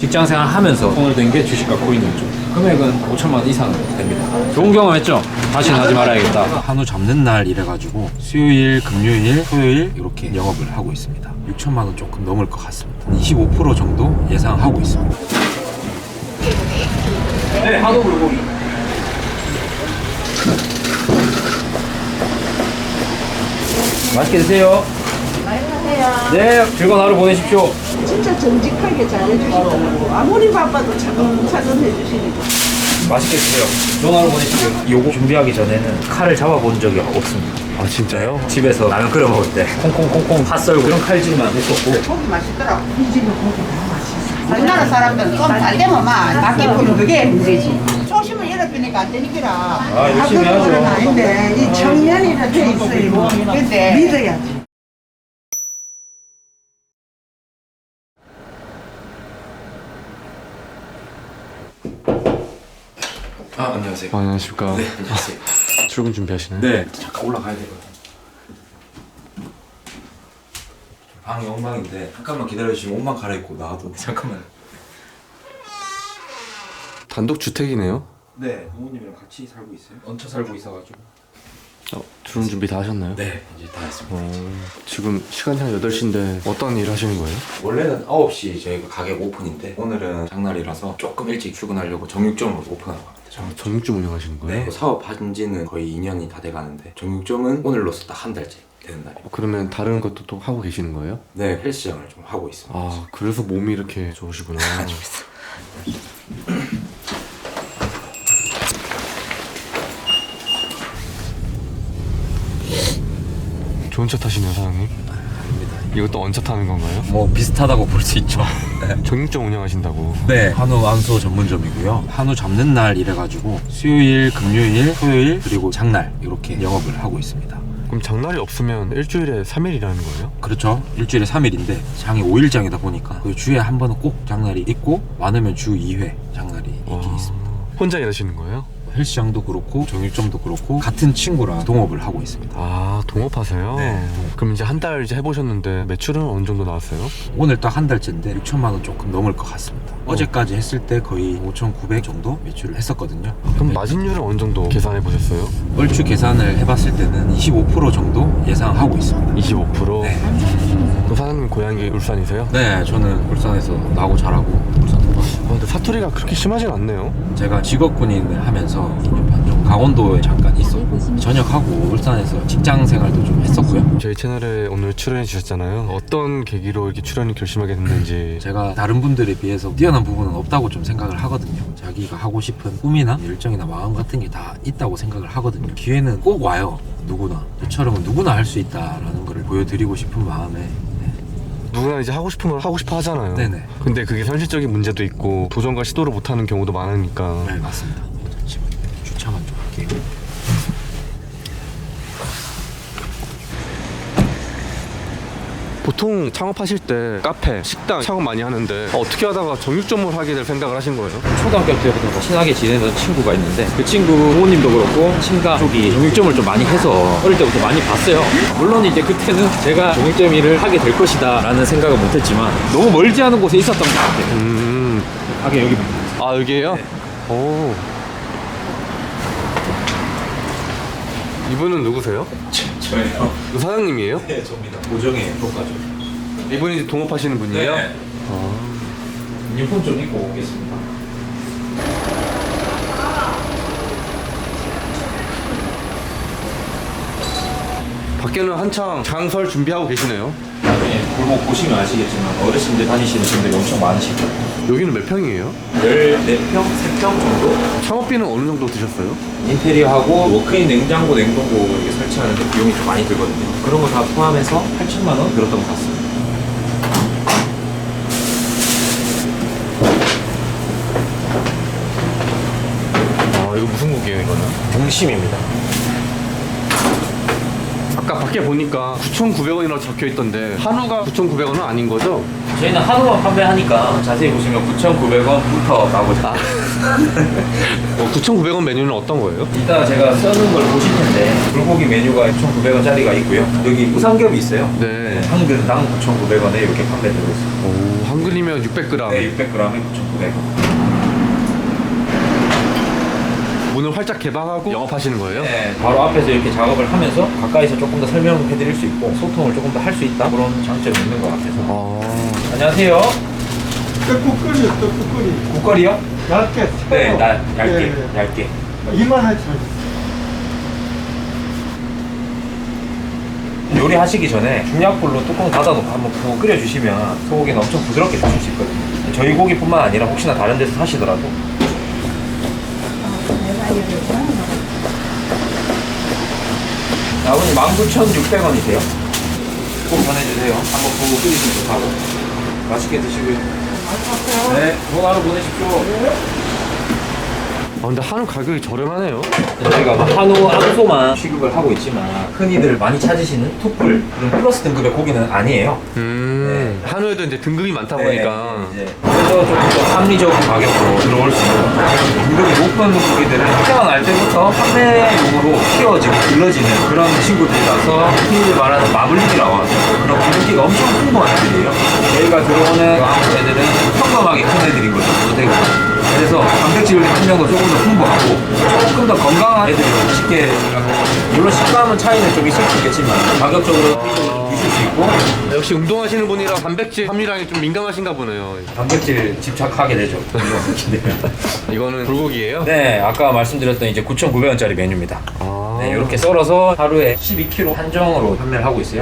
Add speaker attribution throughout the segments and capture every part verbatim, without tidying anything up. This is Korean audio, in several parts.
Speaker 1: 직장 생활 하면서 손을 댄 게 주식 갖고 있는 쪽. 금액은 오천만 원 이상 됩니다. 좋은 경험했죠? 다시는 하지 말아야겠다. 한우 잡는 날 이래가지고 수요일, 금요일, 토요일 이렇게 영업을 하고 있습니다. 육천만 원 조금 넘을 것 같습니다. 이십오 퍼센트 정도 예상하고 있습니다. 네, 한우 불고기. 맛있게 드세요.
Speaker 2: 안녕하세요.
Speaker 1: 네, 즐거운 하루 보내십시오.
Speaker 2: 진짜 정직하게 잘해주시더라고. 아무리 바빠도 차근차근 해주시니까.
Speaker 1: 맛있게 드세요. 좋은 하루 보내십시오. 요거 준비하기 전에는 칼을 잡아본 적이 없습니다.
Speaker 3: 아 진짜요?
Speaker 1: 집에서 라면 끓여 먹을 때 콩콩콩콩 팥 썰고 그런 칼질만 했었고.
Speaker 2: 고기 맛있더라고. 이 집은 고기 너무 맛있어. 우리나라 사람들은 좀 잘 되면 막 낚기 푸는 그게 문제지. 초심을 잃어버리니까 안 되니까.
Speaker 1: 아, 열심히 하죠.
Speaker 2: 그건 아닌데 이 청년이라 돼 있어요. 근데 믿어야지.
Speaker 1: 아, 안녕하세요.
Speaker 3: 아, 안녕하십니까.
Speaker 1: 네, 안녕하세요.
Speaker 3: 출근 준비하시나요?
Speaker 1: 네, 잠깐 올라가야 되거든요. 방이 엉망인데 잠깐만 기다려주시면 옷만 갈아입고 나와도 잠깐만.
Speaker 3: 단독 주택이네요.
Speaker 1: 네, 부모님이랑 같이 살고 있어요. 얹혀 살고 있어가지고.
Speaker 3: 어, 출근 준비 다 하셨나요?
Speaker 1: 네, 이제 다 했습니다.
Speaker 3: 어, 지금 시간이 한 여덟 시인데 어떤 일 하시는 거예요?
Speaker 1: 원래는 아홉 시 저희가 가게 오픈인데 오늘은 장날이라서 조금 일찍 출근하려고 정육점으로 오픈하고 갑니다.
Speaker 3: 아, 정육점 운영하시는 거예요?
Speaker 1: 네, 사업한 지는 거의 이 년이 다 돼가는데 정육점은 오늘로서 딱 한 달째 되는 날이에요.
Speaker 3: 어, 그러면 다른 것도 또 하고 계시는 거예요?
Speaker 1: 네, 헬스장을 좀 하고 있습니다.
Speaker 3: 아, 그래서 몸이 이렇게 좋으시구나. 좋은 차 타시네요, 사장님.
Speaker 1: 아닙니다.
Speaker 3: 이것도 언차 타는 건가요?
Speaker 1: 뭐 비슷하다고 볼 수 있죠.
Speaker 3: 정육점 운영하신다고.
Speaker 1: 네, 한우 안수 전문점이고요. 한우 잡는 날 이래가지고 수요일, 금요일, 토요일 그리고 장날 이렇게 영업을 하고 있습니다.
Speaker 3: 그럼 장날이 없으면 일주일에 삼 일 일하는 거예요?
Speaker 1: 그렇죠. 일주일에 삼 일인데 장이 오 일장이다 보니까 그 주에 한 번은 꼭 장날이 있고 많으면 주 이 회 장날이 있긴
Speaker 3: 와,
Speaker 1: 있습니다.
Speaker 3: 혼자 일하시는 거예요?
Speaker 1: 헬스장도 그렇고 정육점도 그렇고 같은 친구랑 동업을 하고 있습니다.
Speaker 3: 아, 동업하세요?
Speaker 1: 네.
Speaker 3: 그럼 이제 한 달 이제 해보셨는데 매출은 어느 정도 나왔어요?
Speaker 1: 오늘 딱 한 달째인데 육천만 원 조금 넘을 것 같습니다. 어. 어제까지 했을 때 거의 오천구백 정도 매출을 했었거든요.
Speaker 3: 그럼 마진율은 어느 정도 계산해 보셨어요?
Speaker 1: 얼추 계산을 해봤을 때는 이십오 퍼센트 정도 예상하고 있습니다.
Speaker 3: 이십오 퍼센트?
Speaker 1: 네.
Speaker 3: 그럼 사장님 고향이 울산이세요?
Speaker 1: 네, 저는 울산에서 나고 자라고 울산 동안.
Speaker 3: 아, 근데 사투리가 그렇게 심하진 않네요.
Speaker 1: 제가 직업군인을 하면서 이 년 반 정도 강원도에 잠깐 있었고 전역하고 울산에서 직장 생활도 좀 했었고요.
Speaker 3: 저희 채널에 오늘 출연해 주셨잖아요. 어떤 계기로 이렇게 출연을 결심하게 됐는지.
Speaker 1: 제가 다른 분들에 비해서 뛰어난 부분은 없다고 좀 생각을 하거든요. 자기가 하고 싶은 꿈이나 열정이나 마음 같은 게 다 있다고 생각을 하거든요. 기회는 꼭 와요. 누구나. 저처럼은 누구나 할 수 있다라는 걸 보여드리고 싶은 마음에.
Speaker 3: 누구나 이제 하고 싶은 걸 하고 싶어 하잖아요.
Speaker 1: 네네.
Speaker 3: 근데 그게 현실적인 문제도 있고 도전과 시도를 못하는 경우도 많으니까.
Speaker 1: 네, 맞습니다. 잠시만요. 주차만 좀 할게요.
Speaker 3: 보통 창업하실 때 카페, 식당 창업 많이 하는데 어떻게 하다가 정육점을 하게 될 생각을 하신 거예요?
Speaker 1: 초등학교 때부터 친하게 지내던 친구가 있는데 그 친구 부모님도 그렇고 친가 쪽이 정육점을 좀 많이 해서 어릴 때부터 많이 봤어요. 물론 이제 그때는 제가 정육점 일을 하게 될 것이다 라는 생각은 못했지만 너무 멀지 않은 곳에 있었던 것 같아요.
Speaker 3: 음.
Speaker 1: 가게 여기.
Speaker 3: 아, 여기에요?
Speaker 1: 네.
Speaker 3: 오. 이분은 누구세요?
Speaker 1: 저예요.
Speaker 3: 그 사장님이에요?
Speaker 1: 네, 접니다. 고정의 효과죠.
Speaker 3: 이분이 이제 동업하시는 분이에요?
Speaker 1: 네.
Speaker 3: 아.
Speaker 1: 유니폼 좀 입고 오겠습니다.
Speaker 3: 밖에는 한창 장설 준비하고 계시네요.
Speaker 1: 나중에 골목 보시면 아시겠지만 어르신들 다니시는 분들이 엄청 많으시거든요.
Speaker 3: 여기는 몇 평이에요?
Speaker 1: 열네 평, 세 평 정도?
Speaker 3: 창업비는 어느 정도 드셨어요?
Speaker 1: 인테리어하고 워크인 냉장고, 냉동고 이렇게 설치하는 데 비용이 좀 많이 들거든요. 그런 거 다 포함해서 팔천만 원 들었던 것 같습니다.
Speaker 3: 아, 이거 무슨 국이에요, 이거는?
Speaker 1: 동심입니다.
Speaker 3: 아까 밖에 보니까 구천구백 원이라고 적혀 있던데 한우가 구천구백 원은 아닌 거죠?
Speaker 1: 저희는 한우만 판매하니까 자세히 보시면 구천구백 원부터 나오죠.
Speaker 3: 어, 구천구백 원 메뉴는 어떤 거예요?
Speaker 1: 이따 제가 써는 걸 보실 텐데 불고기 메뉴가 구천구백 원짜리가 있고요. 여기 우삼겹이 있어요.
Speaker 3: 네.
Speaker 1: 한 근당 구천구백 원에 이렇게 판매되고 있습니다.
Speaker 3: 오, 한 그램이면 육백 그램.
Speaker 1: 네, 육백 그램에 구천구백 원.
Speaker 3: 문을 활짝 개방하고 영업하시는 거예요?
Speaker 1: 네, 바로 앞에서 이렇게 작업을 하면서 가까이서 조금 더 설명해 드릴 수 있고 소통을 조금 더 할 수 있다 그런 장점이 있는 것 같아서.
Speaker 3: 아.
Speaker 1: 안녕하세요.
Speaker 4: 떡국거리요, 떡국거리.
Speaker 1: 국거리요?
Speaker 4: 얇게.
Speaker 1: 네, 나 얇게,
Speaker 4: 예, 예.
Speaker 1: 얇게.
Speaker 4: 이만하지.
Speaker 1: 요리하시기 전에 중약불로 뚜껑 닫아놓고 한번 푹 끓여주시면 소고기는 엄청 부드럽게 드실 수 있거든요. 저희 고기뿐만 아니라 혹시나 다른 데서 사시더라도. 자, 아버님 만 구천육백 원이세요. 꼭 전해주세요. 한번 보고 끓이시면 좋다고. 맛있게 드시고요. 네, 좋은 하루 보내십시오.
Speaker 3: 아, 근데 한우 가격이 저렴하네요.
Speaker 1: 저희가 뭐 한우 암소만 취급을 하고 있지만 흔히들 많이 찾으시는 툭불 그런 플러스 등급의 고기는 아니에요.
Speaker 3: 음. 한우에도 이제 등급이 많다 보니까.
Speaker 1: 네, 이제 그래서 조금 더 합리적인 가격으로 들어올 수 있는 등급이 높은 고기들은 태어날 때부터 판매용으로 키워지고 길러지는 그런 친구들이라서 흔히들 말하는 마블링이라고 하죠. 그런 기름기가 엄청 풍부한 애들이에요. 저희가 들어오는 한국 애들은 평범하게 큰 애들인 거죠. 못되고. 그래서 단백질 함량도 조금 더 풍부하고 조금 더 건강한 애들이 쉽게 생각하고, 물론 식감은 차이는 좀 있을 수 있겠지만 가격적으로 좀 있을 수 있고.
Speaker 3: 역시 운동하시는 분이라 단백질 함유량이 좀 민감하신가 보네요.
Speaker 1: 단백질 집착하게 되죠.
Speaker 3: 이거는 불고기예요?
Speaker 1: 네, 아까 말씀드렸던 이제 구천구백 원짜리 메뉴입니다.
Speaker 3: 아.
Speaker 1: 네, 이렇게 썰어서 하루에 십이 킬로그램 한정으로 판매를 하고 있어요.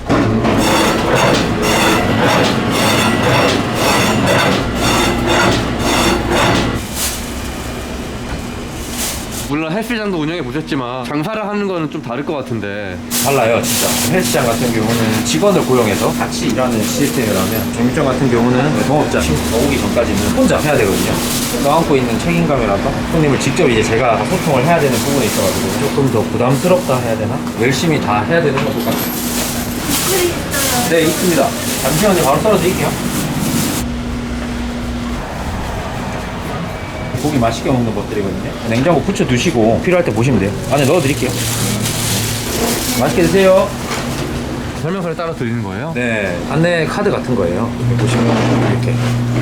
Speaker 3: 물론 헬스장도 운영해 보셨지만 장사를 하는 거는 좀 다를 것 같은데.
Speaker 1: 달라요, 진짜. 헬스장 같은 경우는 직원을 고용해서 같이 일하는 시스템이라면 정육점 같은 경우는 동업자 친구 오기 전까지는 혼자 해야 되거든요. 떠안고 있는 책임감이라서 손님을 직접 이제 제가 소통을 해야 되는 부분이 있어가지고 조금 더 부담스럽다 해야 되나? 열심히 다 해야 되는 것 같아요. 네, 있습니다. 잠시만요, 바로 썰어드릴게요. 고기 맛있게 먹는 것들이거든요. 냉장고 붙여 두시고 필요할 때 보시면 돼요. 안에 넣어 드릴게요. 맛있게 드세요.
Speaker 3: 설명서를 따로 드리는 거예요?
Speaker 1: 네, 안내 카드 같은 거예요. 여기 보시면 이렇게.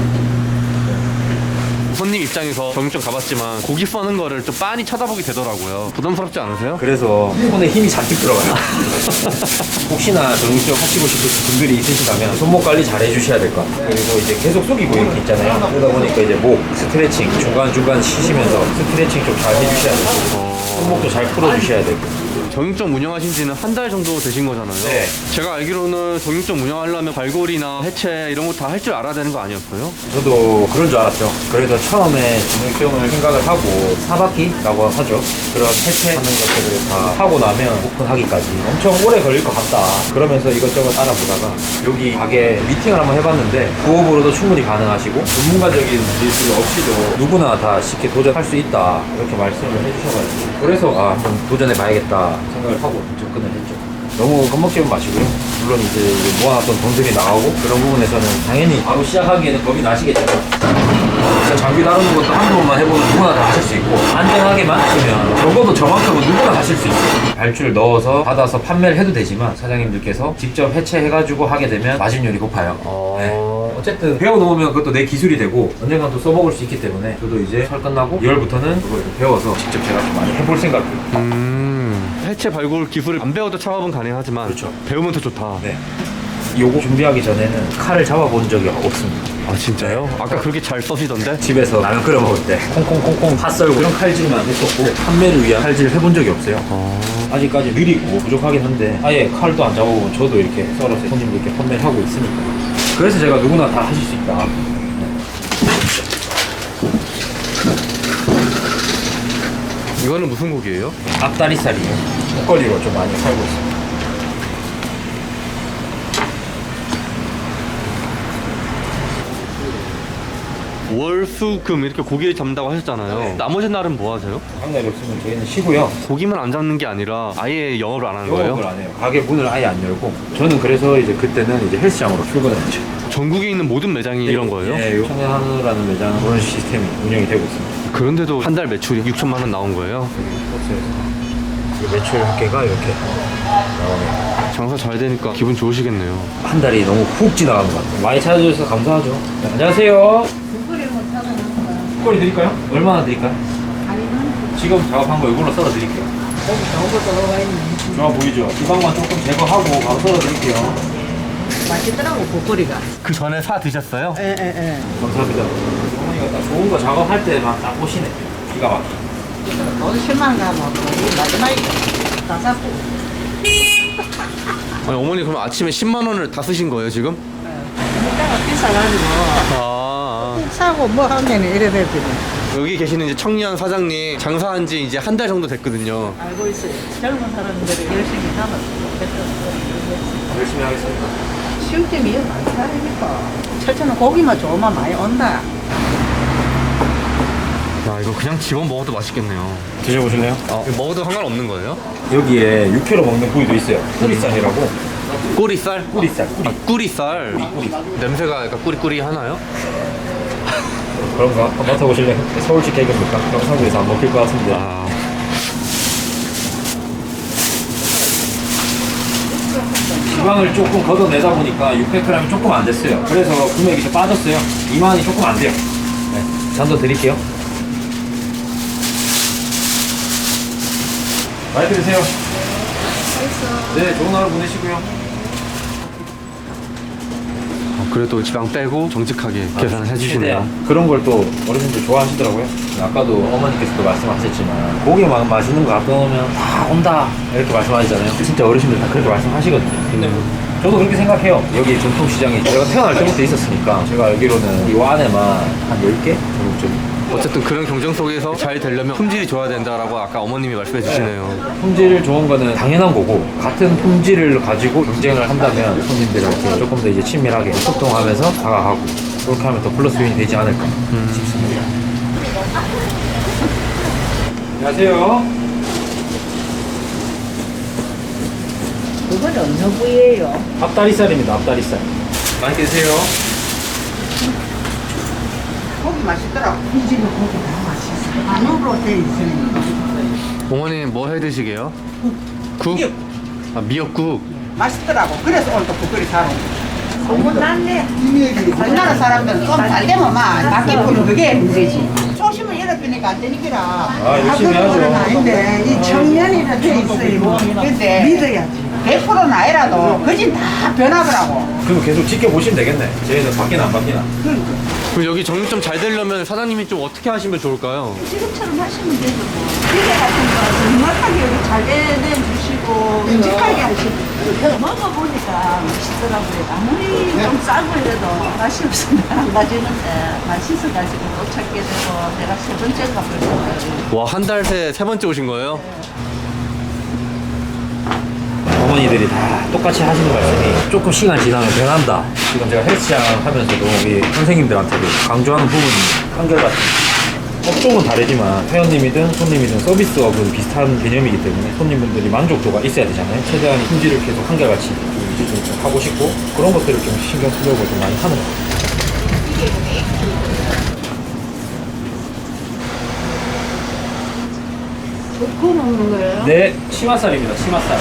Speaker 3: 손님 입장에서 정육점 가봤지만 고기 써는 거를 좀 빤히 쳐다보게 되더라고요. 부담스럽지 않으세요?
Speaker 1: 그래서 손에 힘이 잔뜩 들어가요. 혹시나 정육점 하시고 싶으신 분들이 있으시다면 손목 관리 잘 해주셔야 될 것 같아요. 그리고 이제 계속 숙이고 이렇게 있잖아요. 그러다 보니까 이제 목 스트레칭 중간중간 쉬시면서 스트레칭 좀 잘 해주셔야 되고 손목도 잘 풀어주셔야 되고.
Speaker 3: 정육점 운영하신 지는 한 달 정도 되신 거잖아요.
Speaker 1: 네.
Speaker 3: 제가 알기로는 정육점 운영하려면 발골이나 해체 이런 거 다 할 줄 알아야 되는 거 아니었어요?
Speaker 1: 저도 그런 줄 알았죠. 그래서 처음에 정육점을 생각을 하고 사바키라고 하죠. 그런 해체하는 것들을 다 하고 나면 오픈하기까지 엄청 오래 걸릴 것 같다. 그러면서 이것저것 알아보다가 여기 가게 미팅을 한번 해봤는데 부업으로도 충분히 가능하시고 전문가적인 기술 없이도 누구나 다 쉽게 도전할 수 있다. 이렇게 말씀을 해주셔가지고 그래서 아, 한번 도전해봐야겠다 생각을 하고 접근을 했죠. 너무 겁먹지는 마시고요. 물론 이제 모아놨던 돈들이 나가고 그런 부분에서는 당연히 바로 시작하기에는 겁이 나시겠죠. 진짜 장비 다루는 것도 한두 번만 해보면 누구나 다 하실 수 있고 안전하게만 하시면 적어도 저만큼은 누구나 하실 수 있어요. 발주를 넣어서 받아서 판매를 해도 되지만 사장님들께서 직접 해체해가지고 하게 되면 마진율이 높아요.
Speaker 3: 어...
Speaker 1: 네. 어쨌든 배워놓으면 그것도 내 기술이 되고 언젠간 또 써먹을 수 있기 때문에 저도 이제 설 끝나고 이월부터는 그걸 좀 배워서 직접 제가 좀 많이 해볼 생각이에요.
Speaker 3: 음... 해체 발골 기술을 안 배워도 창업은 가능하지만
Speaker 1: 그렇죠.
Speaker 3: 배우면 더 좋다.
Speaker 1: 네. 요거 준비하기 전에는 칼을 잡아본 적이 없습니다.
Speaker 3: 아 진짜요? 아까 그렇게 잘 써시던데?
Speaker 1: 집에서 라면 끓여 먹을 때 콩콩콩콩 팥 썰고 그런 칼질만 했었고 판매를 위한 칼질을 해본 적이 없어요.
Speaker 3: 어...
Speaker 1: 아직까지 느리고 부족하긴 한데 아예 칼도 안 잡아보면 저도 이렇게 썰어서 손님들께 판매를 하고 있으니까 그래서 제가 누구나 다 하실 수 있다.
Speaker 3: 이거는 무슨 고기예요?
Speaker 1: 앞다리살이에요. 목걸이로 좀 많이 살고 있어요.
Speaker 3: 월, 수, 금 이렇게 고기를 잡는다고 하셨잖아요.
Speaker 1: 네.
Speaker 3: 나머지 날은 뭐 하세요?
Speaker 1: 장날이 없으면 저희는 쉬고요.
Speaker 3: 고기만 안 잡는 게 아니라 아예 영업을 안 하는 거예요?
Speaker 1: 영업을 안 해요. 가게 문을 아예 안 열고 저는 그래서 이제 그때는 이제 헬스장으로 출근을 했죠.
Speaker 3: 전국에 있는 모든 매장이 이런 거예요?
Speaker 1: 네, 청년한우라는 매장은 그런 시스템이 운영이 되고 있습니다.
Speaker 3: 그런데도 한 달 매출이 육천만 원 나온 거예요?
Speaker 1: 버스에서 매출 합계가 이렇게 나오네요.
Speaker 3: 장사 잘 되니까 기분 좋으시겠네요.
Speaker 1: 한 달이 너무 훅 지나가는 것 같아요. 많이 찾아주셔서 감사하죠. 네, 안녕하세요. 국거리 드릴까요? 얼마나 드릴까요? 지금 작업한 거 이걸로 썰어 드릴게요. 좋아 보이죠? 지방만 조금 제거하고 바로 썰어 드릴게요.
Speaker 2: 맛있더라고 국거리가.
Speaker 3: 그 전에 사 드셨어요?
Speaker 2: 예예예.
Speaker 1: 감사합니다. 어머니가 딱 좋은 거 작업할 때만 딱 오시네. 기가 막히게.
Speaker 2: 돈 십만 원 가면 우리 마지막에 다 잡고.
Speaker 3: 아니, 어머니 그럼 아침에 십만 원을 다 쓰신 거예요 지금?
Speaker 2: 물가가 비싸가지고
Speaker 3: 아,
Speaker 2: 사고 뭐 하면 이래 됐더니
Speaker 3: 여기 계시는 이제 청년 사장님 장사한 지 이제 한 달 정도 됐거든요.
Speaker 2: 알고 있어요. 젊은 사람들이 열심히 하면 좋겠다.
Speaker 1: 열심히 하겠습니다.
Speaker 2: 쉬울 때 미역 많이 사니까. 철저는 고기만 좋으면 많이 온다.
Speaker 3: 야 이거 그냥 집어 먹어도 맛있겠네요.
Speaker 1: 드셔보실래요?
Speaker 3: 어, 이거 먹어도 상관없는 거예요?
Speaker 1: 여기에 육회로 먹는 부위도 있어요. 뿌리살이라고.
Speaker 3: 꼬리살?
Speaker 1: 뿌리살, 뿌리.
Speaker 3: 아, 꾸리살.
Speaker 1: 뿌리.
Speaker 3: 냄새가 약간 꾸리꾸리 하나요?
Speaker 1: 그런가? 한번 맡아보실래요? 서울식 개그입니까? 경상도에서 안 먹힐 것 같은데.
Speaker 3: 아,
Speaker 1: 지방을 조금 걷어내다 보니까 육백 그램이 조금 안 됐어요. 그래서 금액이 좀 빠졌어요. 이만 원이 조금 안 돼요. 네. 잔도 드릴게요. 많이 드세요. 네, 좋은 하루 보내시고요.
Speaker 3: 어, 그래도 지방 빼고 정직하게 계산을 해주시네요.
Speaker 1: 최대한. 그런 걸 또 어르신들 좋아하시더라고요. 아까도 어머니께서도 말씀하셨지만 고기 막 맛있는 거 갖다 놓으면 다 온다 이렇게 말씀하시잖아요. 진짜 어르신들 다 그렇게 말씀하시거든요. 근데 저도 그렇게 생각해요. 여기 전통시장이 제가 태어날 때부터 있었으니까 제가 알기로는 이 안에만 한 열 개 정도 좀
Speaker 3: 어쨌든 그런 경쟁 속에서 잘 되려면 품질이 좋아야 된다라고 아까 어머님이 말씀해 주시네요.
Speaker 1: 품질 좋은 거는 당연한 거고 같은 품질을 가지고 경쟁을 한다면 손님들한테 조금 더 이제 친밀하게 소통하면서 다가가고 그렇게 하면 더 플러스 요인이 되지 않을까 싶습니다. 안녕하세요.
Speaker 2: 그건 어느 부위예요?
Speaker 1: 앞다리살입니다. 앞다리살. 많이 드세요.
Speaker 2: 고기 맛있더라고. 이 집에 고기 다 맛있어. 안으로 돼 있으니까.
Speaker 3: 어머님 뭐 해 드시게요? 국?
Speaker 2: 미역.
Speaker 3: 아, 미역국.
Speaker 2: 맛있더라고. 그래서 오늘 또 국거리 사러 온 거야. 너무 낫네.
Speaker 4: 이미역이
Speaker 2: 우리나라 사람들은 좀 잘 되면 막 바퀴 부는 그게 문제지. 초심을 잃어버리니까 안 되니까.
Speaker 1: 아, 열심히 하죠.
Speaker 2: 아닌데 이 청년이라 돼 있어요. 근데 믿어야지. 백 퍼센트는 아니라도 그진 다 변하더라고.
Speaker 1: 그럼 계속 지켜보시면 되겠네. 저희는 바뀌나 안 바뀌나.
Speaker 3: 그럼 여기 정육점 잘 되려면 사장님이 좀 어떻게 하시면 좋을까요?
Speaker 5: 지금처럼 하시면 되죠 뭐. 기계 같은 거 정확하게 여기 잘 내주시고 묵직하게 하시고 먹어보니까 맛있더라고요. 아무리 좀 싸고 이래도 맛이 없으면 안 가지는데 맛있어가지고 또 찾게 되고 내가 세 번째인가 벌써.
Speaker 3: 와, 한 달 새 세 번째 오신 거예요?
Speaker 1: 어머니들이 다 똑같이 하시는 말씀이 조금 시간 지나면 변한다. 지금 제가 헬스장 하면서도 우리 선생님들한테도 강조하는 부분이 한결같은 업종은 다르지만 회원님이든 손님이든 서비스업은 비슷한 개념이기 때문에 손님분들이 만족도가 있어야 되잖아요. 최대한 품질을 계속 한결같이 좀 이제 좀 하고 싶고 그런 것들을 좀 신경 쓰려고 좀 많이 하는 것 같아요.
Speaker 5: 구워 먹는 거예요?
Speaker 1: 네, 치맛살입니다. 치맛살.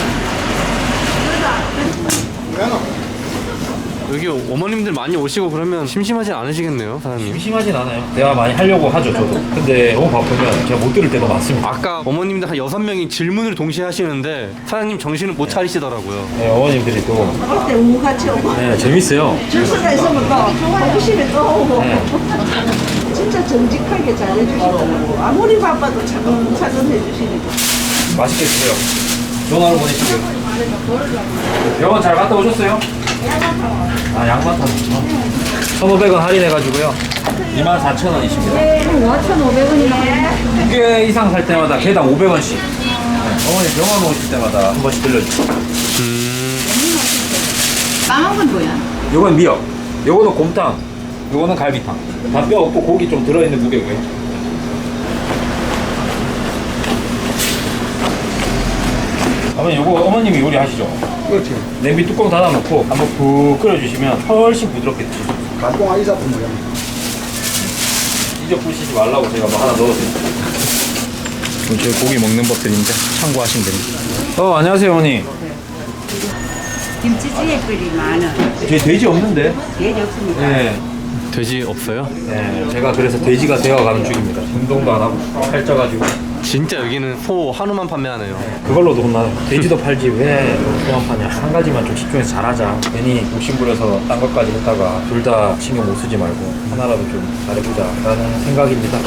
Speaker 3: 여기 어머님들 많이 오시고 그러면 심심하진 않으시겠네요, 사장님?
Speaker 1: 심심하진 않아요. 대화 많이 하려고 하죠, 저도. 근데 너무 바쁘면 제가 못 들을 때도 많습니다.
Speaker 3: 아까 어머님들 한 여섯 명이 질문을 동시에 하시는데 사장님 정신을 못 차리시더라고요.
Speaker 1: 네, 어머님들이 또
Speaker 5: 그때 우같이 오고
Speaker 1: 네, 재밌어요.
Speaker 5: 줄서가 있으면 또 호기심이 또 오고
Speaker 1: 네.
Speaker 5: 진짜 정직하게 잘해주시더라고. 아무리 바빠도 차근차근 해주시니까.
Speaker 1: 맛있게 드세요. 좋은 하루 보내시고요. 병원 잘 갔다 오셨어요? 아, 양만 타서. 천오백 원 할인해가지고요. 이만 사천 원이십니다.
Speaker 5: 오천오백 원이나
Speaker 1: 두 개 이상 살 때마다 개당 오백 원씩. 네, 어머니 병원 오실 때마다 한 번씩 들려주세요.
Speaker 2: 까만 건 뭐야?
Speaker 1: 요건 미역, 요거는 곰탕, 요거는 갈비탕. 다 뼈 없고 고기 좀 들어있는 무게고요. 어머니 요거 어머님이 요리하시죠?
Speaker 4: 그렇지.
Speaker 1: 냄비 뚜껑 닫아놓고 한번 푹 끓여주시면 훨씬 부드럽게 드실 수 있어요.
Speaker 4: 가공 아이사품 모양.
Speaker 1: 이적 부시지 말라고 제가 뭐 하나 넣어드릴게요. 저희 고기 먹는 법들인데 참고하시면 됩니다. 어, 안녕하세요 어머니.
Speaker 5: 김치찌개 끓이면은
Speaker 1: 제 돼지 없는데?
Speaker 5: 돼지 없습니다.
Speaker 1: 네.
Speaker 3: 돼지 없어요?
Speaker 1: 네. 제가 그래서 돼지가 되어가는 중입니다. 운동도 안 하고 살쪄가지고.
Speaker 3: 진짜 여기는 소 한우만 판매하네요.
Speaker 1: 그걸로도 혼나요. 돼지도 팔지 왜 소만 파냐. 한 가지만 좀 집중해서 잘하자. 괜히 욕심부려서 딴 것까지 했다가 둘 다 신경 못 쓰지 말고 하나라도 좀 잘해보자 라는 생각입니다.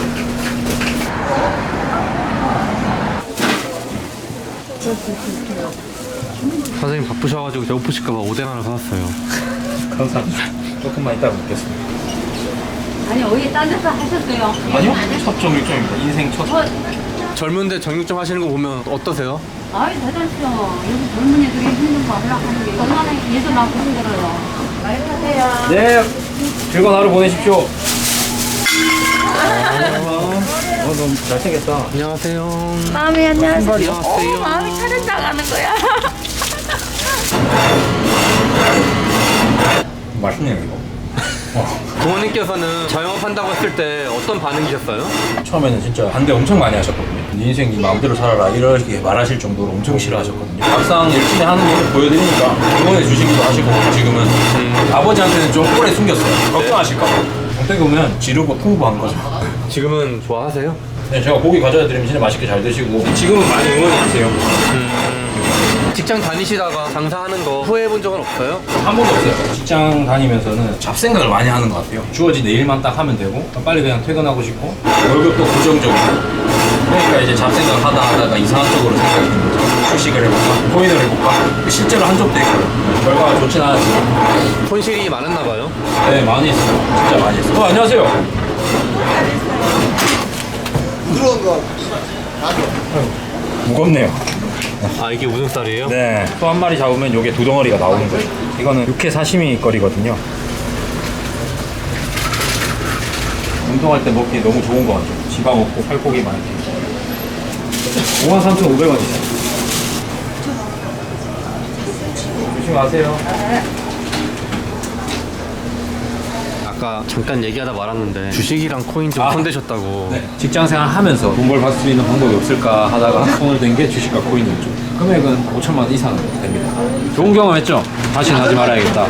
Speaker 3: 선생님 바쁘셔가지고 배고프실까봐 오뎅 하나 사왔어요.
Speaker 1: 감사합니다. 조금만 이따가 먹겠습니다.
Speaker 6: 아니 어디 딴 데서 하셨어요?
Speaker 1: 아니요? 첫 정육점입니다. 인생 첫.
Speaker 3: 젊은데 정육점 하시는 거 보면 어떠세요?
Speaker 6: 아이 대단하시죠. 요즘 젊은이들이 힘든 거 하려고 하는 게 얼마나 예술 나고 힘들어요. 많이 파세요.
Speaker 1: 네. 즐거운 하루 보내십시오. 어, 너무 잘생겼다.
Speaker 3: 안녕하세요.
Speaker 6: 마음이 안녕하세요.
Speaker 3: 안녕하세요.
Speaker 6: 오, 마음이 차른다가는 거야.
Speaker 1: 맛있네요, 이거.
Speaker 3: 부모님께서는 자영업한다고 했을 때 어떤 반응이셨어요?
Speaker 1: 처음에는 진짜 반대 엄청 많이 하셨거든요. 네 인생 네 마음대로 살아라 이렇게 말하실 정도로 엄청 싫어하셨거든요. 막상 열심히 하는 모습 보여드리니까 응원해 주시기도 하시고 지금은 아버지한테는 좀 오래 숨겼어요. 걱정하실까 봐. 어떻게 보면 지르고 풍부한 거죠.
Speaker 3: 지금은 좋아하세요?
Speaker 1: 네, 제가 고기 가져다 드리면 진짜 맛있게 잘 드시고 지금은 많이 응원해 주세요.
Speaker 3: 직장 다니시다가 장사하는 거 후회해본 적은 없어요?
Speaker 1: 한 번도 없어요. 직장 다니면서는 잡생각을 많이 하는 것 같아요. 주어진 내 일만 딱 하면 되고 빨리 그냥 퇴근하고 싶고 월급도 고정적이고 그러니까 이제 잡생각 하다 하다가 이상한 쪽으로 생각이 드는 거죠. 주식을 해볼까? 코인을 해볼까? 실제로 한 적도 있고 결과가 좋진 않았지만
Speaker 3: 손실이 많았나 봐요.
Speaker 1: 네, 많이 했어요. 진짜 많이 했어요. 어, 안녕하세요.
Speaker 4: 그런 거.
Speaker 1: 무겁네요.
Speaker 3: 아 이게 우등살이에요?
Speaker 1: 네. 소 한 마리 잡으면 요게 두 덩어리가 나오는 거예요. 이거는 육회 사시미 거리거든요. 운동할 때 먹기 너무 좋은 것 같아요. 지방 없고 살코기 많이. 오만 삼천오백 원이세요. 조심하세요.
Speaker 3: 아까 잠깐 얘기하다 말았는데 주식이랑 코인 좀
Speaker 1: 아.
Speaker 3: 손대셨다고.
Speaker 1: 네. 직장생활 하면서 돈 벌 받을 수 있는 방법이 없을까 하다가 손을 댄 게 주식과 코인이었죠. 금액은 오천만 원 이상 됩니다. 좋은 경험했죠? 다시는 하지 말아야겠다.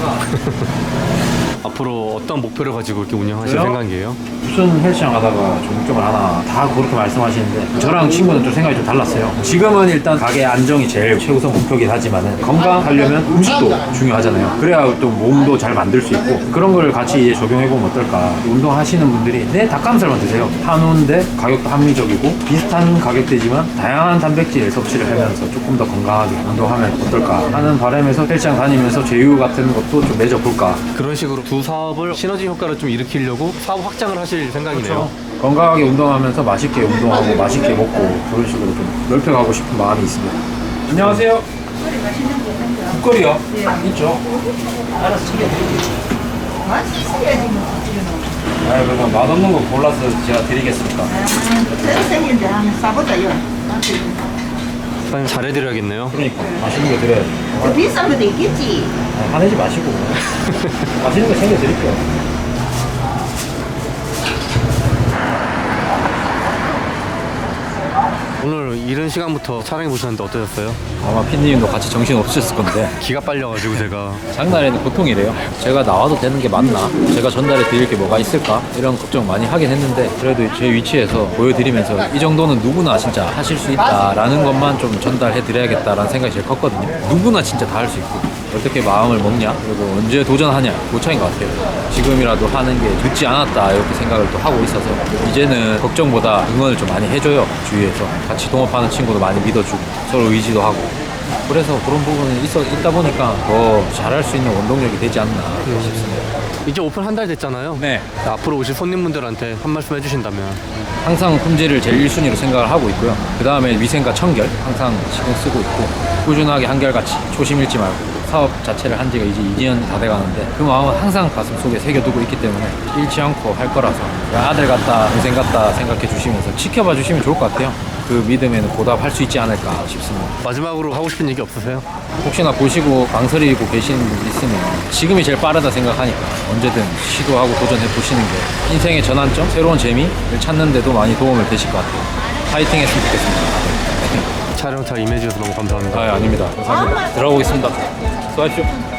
Speaker 3: 앞으로 어떤 목표를 가지고 이렇게 운영하실
Speaker 1: 저요?
Speaker 3: 생각이에요?
Speaker 1: 무슨 헬스장 가다가 종점을 하나 다 그렇게 말씀하시는데 저랑 친구는 좀 생각이 좀 달랐어요. 지금은 일단 가게 안정이 제일 최우선 목표긴 하지만 건강하려면 음식도 중요하잖아요. 그래야 또 몸도 잘 만들 수 있고 그런 걸 같이 이제 적용해보면 어떨까. 운동하시는 분들이 내 닭가슴살만 드세요. 한우인데 가격도 합리적이고 비슷한 가격대지만 다양한 단백질 섭취를 하면서 조금 더 건강하게 운동하면 어떨까 하는 바람에서 헬스장 다니면서 제휴 같은 것도 좀 맺어볼까.
Speaker 3: 그런 식으로 두 사업을 시너지 효과를 좀 일으키려고 사업 확장을 하실 생각이네요.
Speaker 1: 건강하게 운동하면서 맛있게 운동하고 맛있게 먹고 그런 식으로 좀 넓혀가고 싶은 마음이 있습니다. 안녕하세요. 국거리요? 네. 있죠.
Speaker 2: 알아서 챙겨드릴게요. 맛있어야지 뭐.
Speaker 1: 아, 그러면 맛없는 거 골라서 제가 드리겠습니다.
Speaker 2: 새로 생긴데 한번 싸보자요.
Speaker 3: 사장님 잘해드려야겠네요.
Speaker 1: 그러니까 맛있는 거 드려야지.
Speaker 2: 더 비싼 것도 있겠지.
Speaker 1: 아, 화내지 마시고 맛있는 거 챙겨드릴게요.
Speaker 3: 오늘 이른 시간부터 촬영해 보셨는데 어떠셨어요?
Speaker 1: 아마 핀님도 같이 정신 없으셨을 건데
Speaker 3: 기가 빨려가지고 제가
Speaker 1: 장날에는 보통이래요. 제가 나와도 되는 게 맞나? 제가 전달해 드릴 게 뭐가 있을까? 이런 걱정 많이 하긴 했는데 그래도 제 위치에서 보여드리면서 이 정도는 누구나 진짜 하실 수 있다라는 것만 좀 전달해 드려야겠다라는 생각이 제일 컸거든요. 누구나 진짜 다 할 수 있고 어떻게 마음을 먹냐? 그리고 언제 도전하냐? 그 차이인 것 같아요. 지금이라도 하는 게 늦지 않았다 이렇게 생각을 또 하고 있어서 이제는 걱정보다 응원을 좀 많이 해줘요. 주위에서 같이 동업하는 친구도 많이 믿어주고 서로 의지도 하고 그래서 그런 부분이 있어, 있다 보니까 더 잘할 수 있는 원동력이 되지 않나 싶습니다.
Speaker 3: 이제 오픈 한 달 됐잖아요.
Speaker 1: 네.
Speaker 3: 앞으로 오실 손님분들한테 한 말씀 해주신다면.
Speaker 1: 항상 품질을 제일 일 순위로 생각을 하고 있고요. 그 다음에 위생과 청결 항상 신경 쓰고 있고 꾸준하게 한결같이 초심 잃지 말고 사업 자체를 한 지가 이제 이 년 다 돼가는데 그 마음은 항상 가슴 속에 새겨두고 있기 때문에 잃지 않고 할 거라서 아들 같다 동생 같다 생각해 주시면서 지켜봐 주시면 좋을 것 같아요. 그 믿음에는 보답할 수 있지 않을까 싶습니다.
Speaker 3: 마지막으로 하고 싶은 얘기 없으세요?
Speaker 1: 혹시나 보시고 망설이고 계시는 분 있으면 지금이 제일 빠르다 생각하니까 언제든 시도하고 도전해 보시는 게 인생의 전환점, 새로운 재미를 찾는 데도 많이 도움을 되실 것 같아요. 파이팅 했으면 좋겠습니다.
Speaker 3: 촬영차 임해주셔서 너무 감사합니다.
Speaker 1: 아, 아닙니다. 감사합니다. 들어가보겠습니다. 수고하십시오.